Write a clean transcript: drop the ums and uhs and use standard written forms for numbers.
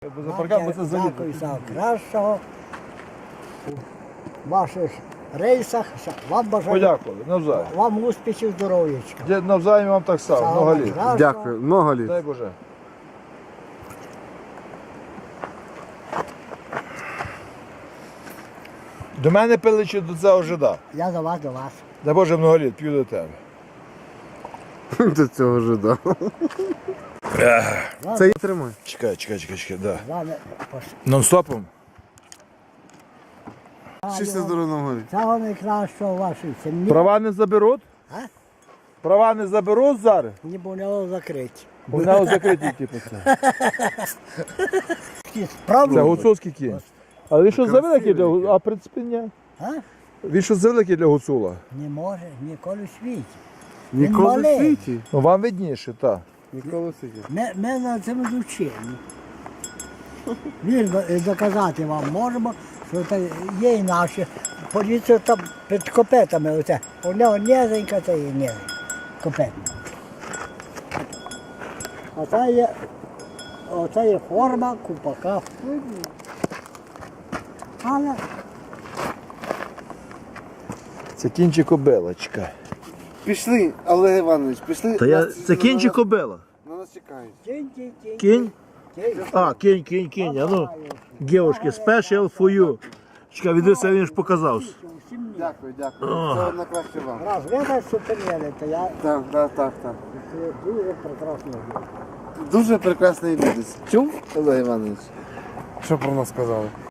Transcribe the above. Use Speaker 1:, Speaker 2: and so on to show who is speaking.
Speaker 1: Дякую за кращого у ваших рейсах. Вам бажаю.
Speaker 2: Подякували, навзаєм.
Speaker 1: Вам успіхів, здоров'ячка.
Speaker 2: Навзаєм вам так само, много літ.
Speaker 3: Дякую, много літ.
Speaker 2: Дай Боже. До мене пили чи до цього жида?
Speaker 1: Я до вас, до вас.
Speaker 2: Дай Боже, много літ, п'ю до тебе.
Speaker 3: До цього жида. Це і тримай.
Speaker 2: Чекай, да.
Speaker 1: З вами
Speaker 2: Нон-стопом?
Speaker 3: Щастя здоров'я горі.
Speaker 1: самого найкращого у вашій сім'ї.
Speaker 2: Права не заберуть?
Speaker 1: А?
Speaker 2: Права не заберуть зараз?
Speaker 1: Не було закриті.
Speaker 2: У нього закриті, типу, це. Це
Speaker 1: Справді.
Speaker 2: гуцульський кінь. Але він що завеликий для гуцула? А в принципі ні.
Speaker 1: А?
Speaker 2: Він що завеликий для гуцула?
Speaker 1: Не може ніколи в світі.
Speaker 3: Ніколи в
Speaker 1: малий.
Speaker 3: світі.
Speaker 2: Ну вам видніше, так.
Speaker 3: Ніколи в світі.
Speaker 1: Ми на цьому вчені. Вірно, доказати вам можемо, що це є і наші. Подивіться там під копетами. Оце. У нього низенька, це і низенька. Копетна. Оце є форма купака. Але
Speaker 2: Це кінь чи кобила, чекай.
Speaker 3: Пішли, Олег Іванович, пішли.
Speaker 2: Це кінь чи кобила?
Speaker 3: На нас чекають.
Speaker 1: кінь.
Speaker 2: Кінь? А, кінь. А ну, дівчатки, special for you. Чекай, відео він ж показав.
Speaker 3: Дякую. Всього найкраще вам.
Speaker 1: Раз ви нас супер-єли, то я
Speaker 3: Так.
Speaker 1: дуже прекрасно.
Speaker 3: Дуже прекрасний відео. Чув, Олег Іванович? Що про нас сказали?